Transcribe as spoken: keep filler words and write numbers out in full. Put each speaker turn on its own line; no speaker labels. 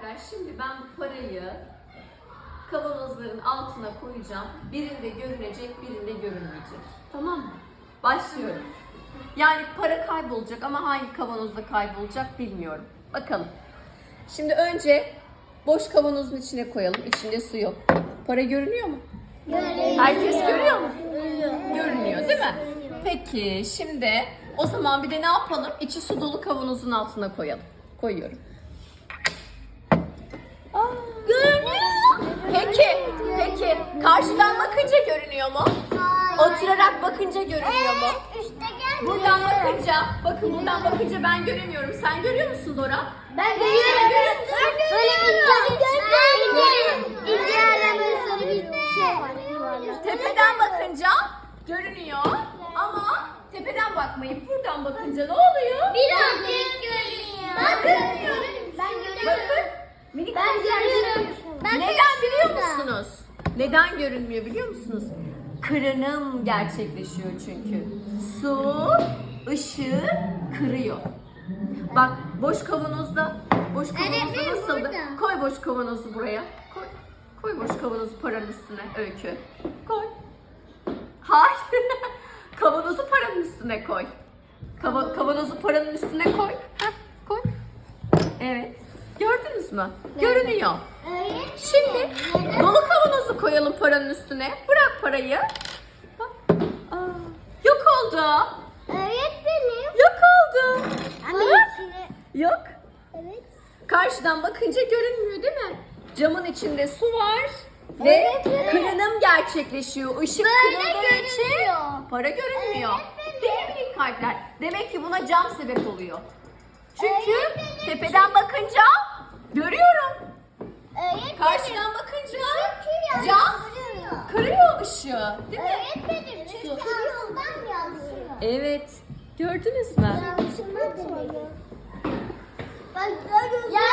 minikler, şimdi ben bu parayı kavanozların altına koyacağım. Birinde görünecek, birinde görünmeyecek. Tamam mı? Başlıyorum. Yani para kaybolacak ama hangi kavanozda kaybolacak bilmiyorum. Bakalım. Şimdi önce boş kavanozun içine koyalım. İçinde su yok. Para görünüyor mu?
Görünüyor.
Herkes görüyor mu?
Görünüyor.
Görünüyor değil mi? Peki şimdi o zaman bir de ne yapalım? İçi su dolu kavanozun altına koyalım. Koyuyorum. Aa,
Görünüyor.
Peki, peki karşıdan bakınca görünüyor mu?
Hayır.
Oturarak bakınca görünüyor mu?
Evet, üstte gelmiyor.
Buradan bakınca, bakın buradan bakınca ben göremiyorum. Sen görüyor musun Dora?
Ben görüyorum. Böyle ince, ince, ince arabanın sarı bir şey var.
Tepeden bakınca görünüyor ama tepeden bakmayıp buradan bakınca ne oluyor?
Birazcık görünüyor.
Ben görmüyorum.
Ben
Bakın.
görüyorum.
Minik
Ben görüyorum. Ben
Neden biliyor musunuz? Neden görünmüyor biliyor musunuz? Kırınım gerçekleşiyor çünkü. Su ışığı kırıyor. Bak boş kavanozda, boş kavanozda
Öğretmenim,
nasıldı?
burada.
Koy boş kavanozu buraya. Koy. Koy boş kavanozu paranın üstüne Öykü. Koy. Hayır. Kavanozu paranın üstüne koy. Kava- kavanozu paranın üstüne koy. Heh, koy. Evet. Gördünüz mü? Görünüyor. Şimdi dolu kavanozu koyalım paranın üstüne. Bırak parayı. Bak. Aa, yok oldu.
Öğretmenim.
Yok oldu.
Anne
Bak.
içine.
Yok.
Evet.
Karşıdan bakınca görünmüyor değil mi? Camın içinde su var ve
Evet, evet.
kırınım gerçekleşiyor. Işık
Böyle
kırıldığı için
görünüyor.
para görünmüyor.
Evet,
Değil mi minik kalpler? Demek ki buna cam sebep oluyor. Çünkü
Evet, evet.
tepeden bakınca görüyorum.
Öğretmenim.
Karşıdan bakınca
Çünkü
cam
yansıyor.
kırıyor ışığı. Değil mi?
Öğretmenim çünkü yoldan yansıyor.
Evet. Gördünüz mü?
Yansıma oluyor. Ben görüyorum. Ya